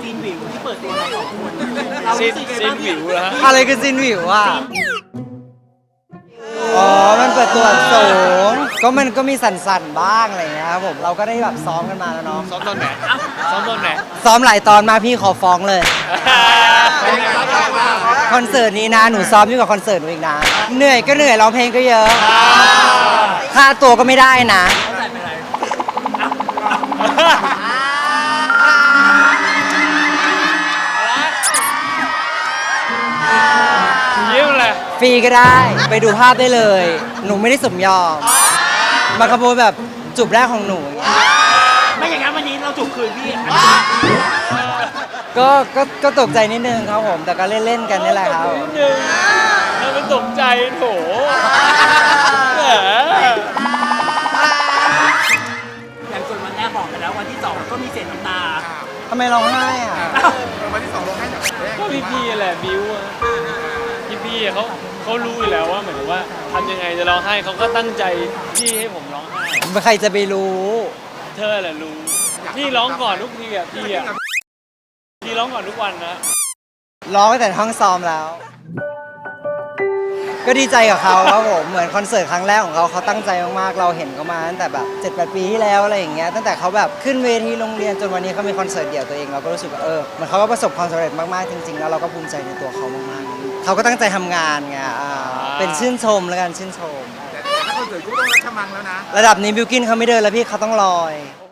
ซีนวิวที่เปิดตัวเรา2 คนเราซินรู้สึกไงซินบ้างวิวแล้วฮะอะไรคือซินวิวอ่ะอ๋อมันเปิดตัวสูงมันก็มีสั่นๆบ้างอะไรอย่างเงี้ยครับผมเราก็ได้แบบซ้อมกันมาแล้วเนาะซ้อมตอนไหนซ้อมตอนไหนซ้อมหลายตอนมาพี่ขอฟ้องเลยเป็นไงบ้างคอนเสิร์ตนี้นะหนูซ้อมยิ่งกว่าคอนเสิร์ตหนูอีกนะเหนื่อยก็เหนื่อยร้องเพลงก็เยอะค่าตัวก็ไม่ได้นะเขาใส่ไปไหนเยี่ยมเลยฟรีก็ได้ไปดูภาพได้เลย หนูไม่ได้สมยอมมาขโมยแบบจูบแรกของหนูไม่อย่างนั้นวันนี้เราจูบคืนพี่ก็ตกใจนิดนึงครับผมแต่ก็เล่นๆกันนี่แหละครับนิดนึงแล้วมันตกใจโถแหมอย่างส่วนวันแรกบอกไปแล้ววันที่2ก็มีเสียงน้ำตาทำไมร้องไห้อ่ะวันที่2ลงให้จากแรกก็พี่แหละบิวอะพี่เขารู้อยู่แล้วว่าเหมือนกับว่าทำยังไงจะร้องไห้เขาก็ตั้งใจที่ให้ผมร้องไห้ใครจะไปรู้เธอแหละรู้พี่ร้องก่อนทุกทีอ่ะพี่ร้องก่อนทุกวันนะร้องตั้งแต่ห้องซ้อมแล้ว ก็ดีใจกับเขาครับผมเหมือนคอนเสิร์ตครั้งแรกของเขาตั้งใจมากๆเราเห็นเขามาตั้งแต่แบบ7-8 ปีที่แล้วอะไรอย่างเงี้ยตั้งแต่เขาแบบขึ้นเวทีโรงเรียนจนวันนี้เขามีคอนเสิร์ตเดี่ยวตัวเองเราก็รู้สึกว่าเหมือนเขาก็ประสบความสำเร็จมากๆจริงๆแล้วเราก็ภูมิใจในตัวเขามากๆเขาก็ตั้งใจทำงานไงเป็นชื่นชมแล้วกันชื่นชมแต่ถ้าคอนเสิร์ตก็ต้องรัชมังแล้วนะระดับนี้บิวกินเขาไม่เดินแล้วพี่เขาต้องลอย